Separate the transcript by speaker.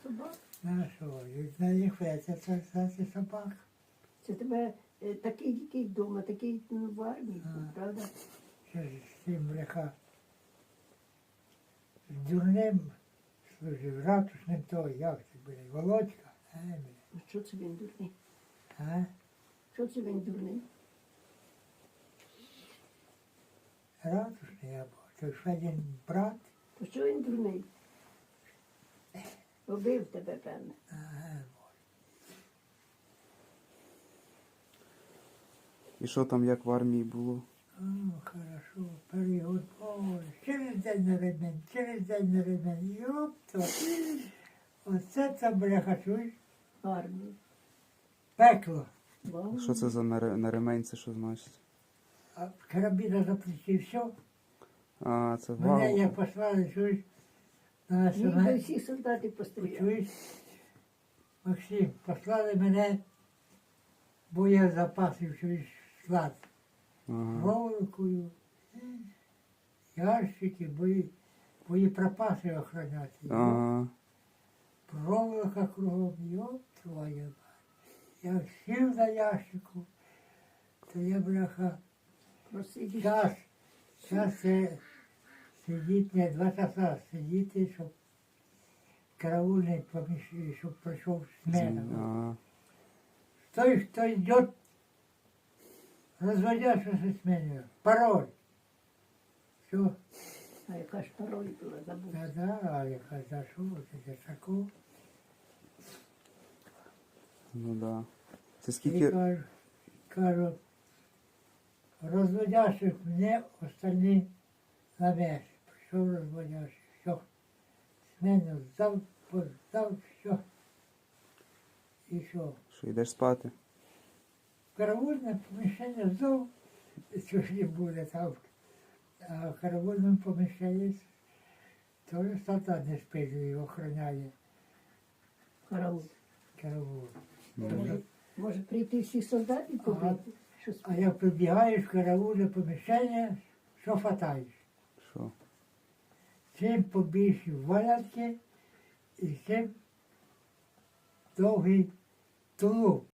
Speaker 1: собак.
Speaker 2: На що? На їх це собак.
Speaker 1: Це тебе такий дикий вдома, такий в армії, правда?
Speaker 2: Ще ж з цим бляха. З дурним служив, ратушним той, як це буде, Володька.
Speaker 1: А що це він дурний?
Speaker 2: А?
Speaker 1: Що це він дурний?
Speaker 2: Ратушний або, це ж один брат.
Speaker 1: То що він дурний? Убив тебе, певне.
Speaker 2: Ага.
Speaker 3: І що там, як в армії було?
Speaker 2: О, хорошо, період, ой, через день на ремень, через день на ремень, йопта. Оце це, бляха, чуєш?
Speaker 1: Армії.
Speaker 2: Пекло.
Speaker 1: Вау.
Speaker 3: Що це за на ремень, це що значить?
Speaker 2: А карабіна за плечі, все.
Speaker 3: А, це
Speaker 2: Мене
Speaker 3: вау.
Speaker 2: як послали, чуєш? На
Speaker 1: Ніби
Speaker 2: національну,
Speaker 1: всі солдати постріляли.
Speaker 2: чуєш? Максим, послали мене, бо я запасив, чуєш, склад.
Speaker 3: Ага.
Speaker 2: Проволокою, ящики, боєприпаси охороняти.
Speaker 3: Ага.
Speaker 2: Проволока кругом, йоп твоя мать. Я сів на ящику, то я, бляха,
Speaker 1: Просидів.
Speaker 2: час це сидіти, не 2 часа сидіти, щоб караульний щоб прийшов смена.
Speaker 3: Ага.
Speaker 2: Той, хто йде, розводящийся сменю. Пароль. Все.
Speaker 1: А яка ж пароль була, забув.
Speaker 2: Да, а яка за що? Це за таку.
Speaker 3: Ну да. Це
Speaker 2: І
Speaker 3: скільки.
Speaker 2: кажу, розводящих мене, остальні на меш. Прийшов розводящий, все. Смену здав, все. І що?
Speaker 3: Що, йдеш спати?
Speaker 2: Караульне поміщення здав, що ж не буде там. А в караульному поміщенні теж солдат не спить, його охороняє
Speaker 1: Караул.
Speaker 2: караул.
Speaker 1: Може прийти всі солдати і побити? Що
Speaker 2: А як прибігаєш в караульне поміщення, що хватаєш?
Speaker 3: Що?
Speaker 2: Цим побільші валянки і цим довгий тулуп.